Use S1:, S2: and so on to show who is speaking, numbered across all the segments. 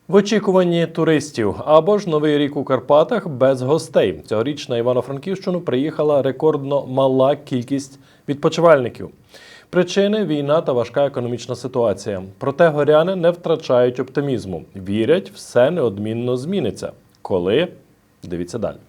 S1: В очікуванні туристів або ж Новий рік у Карпатах без гостей. Цьогоріч на Івано-Франківщину приїхала рекордно мала кількість відпочивальників. Причини – війна та важка економічна ситуація. Проте горяни не втрачають оптимізму. Вірять, все неодмінно зміниться. Коли? Дивіться далі.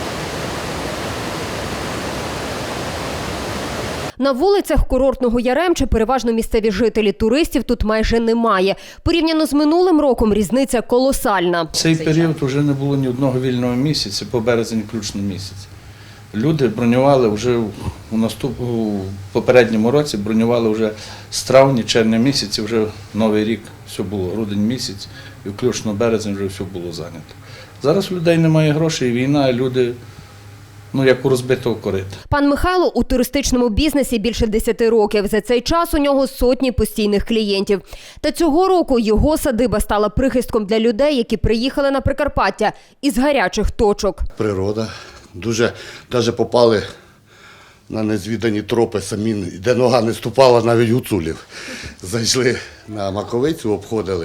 S2: На вулицях курортного Яремче переважно місцеві жителі, туристів тут майже немає. Порівняно з минулим роком різниця колосальна.
S3: В цей період вже не було ні одного вільного місяця, по березень включно місяць. Люди бронювали вже у попередньому році, бронювали вже з травня, червня місяці, вже Новий рік, все було, грудень місяць, і включно березень вже все було зайнято. Зараз у людей немає грошей, війна, і люди як у розбитого корита.
S2: Пан Михайло у туристичному бізнесі більше 10 років. За цей час у нього сотні постійних клієнтів. Та цього року його садиба стала прихистком для людей, які приїхали на Прикарпаття із гарячих точок.
S4: Природа. Дуже навіть попали на незвідані тропи самі, де нога не ступала, навіть гуцулів. Зайшли на Маковицю, обходили.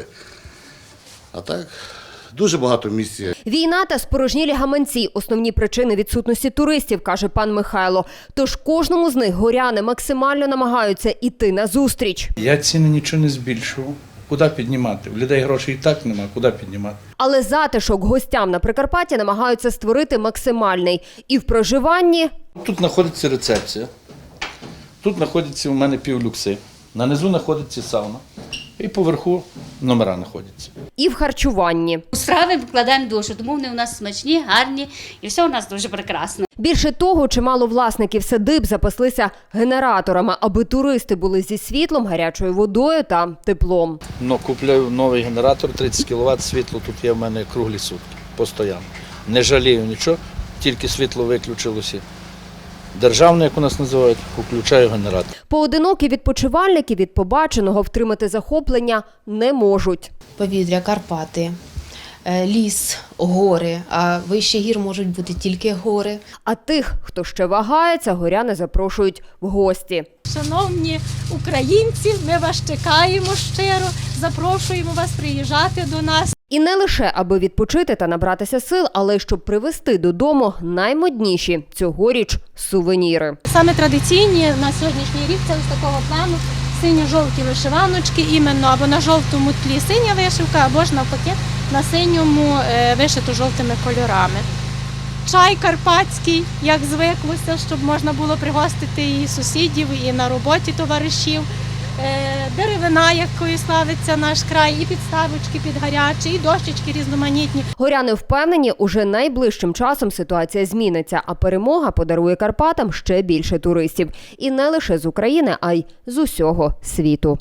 S4: А так, дуже багато місць.
S2: Війна та спорожнілі гаманці – основні причини відсутності туристів, каже пан Михайло. Тож кожному з них горяни максимально намагаються йти назустріч.
S3: Я ціни нічого не збільшував. Куди піднімати? В людей грошей і так немає, куди піднімати?
S2: Але затишок гостям на Прикарпатті намагаються створити максимальний. І в проживанні...
S3: Тут знаходиться рецепція, тут знаходиться у мене півлюкси, нанизу знаходиться сауна і поверху номера знаходяться.
S2: І в харчуванні.
S5: У страви вкладаємо душу, тому вони у нас смачні, гарні і все у нас дуже прекрасно.
S2: Більше того, чимало власників садиб запаслися генераторами, аби туристи були зі світлом, гарячою водою та теплом.
S3: Купляю новий генератор, 30 кВт, світло тут є в мене круглі сутки, постійно. Не жалію нічого, тільки світло виключилося. Державне, як у нас називають, включаю генератор.
S2: Поодинокі відпочивальники від побаченого втримати захоплення не можуть.
S6: Повітря, Карпати, ліс, гори, а вище гір можуть бути тільки гори.
S2: А тих, хто ще вагається, горяни запрошують в гості.
S7: Шановні українці, ми вас чекаємо щиро, запрошуємо вас приїжджати до нас.
S2: І не лише аби відпочити та набратися сил, але й щоб привезти додому наймодніші цьогоріч сувеніри.
S7: Саме традиційні на сьогоднішній рік це ось такого плану синьо-жовті вишиваночки, іменно або на жовтому тлі синя вишивка, або ж навпаки на синьому вишито жовтими кольорами. Чай карпатський, як звиклося, щоб можна було пригостити і сусідів, і на роботі товаришів. Деревина, якою славиться наш край, і підставочки під гарячі, і дощечки різноманітні.
S2: Горяни впевнені, уже найближчим часом ситуація зміниться, а перемога подарує Карпатам ще більше туристів. І не лише з України, а й з усього світу.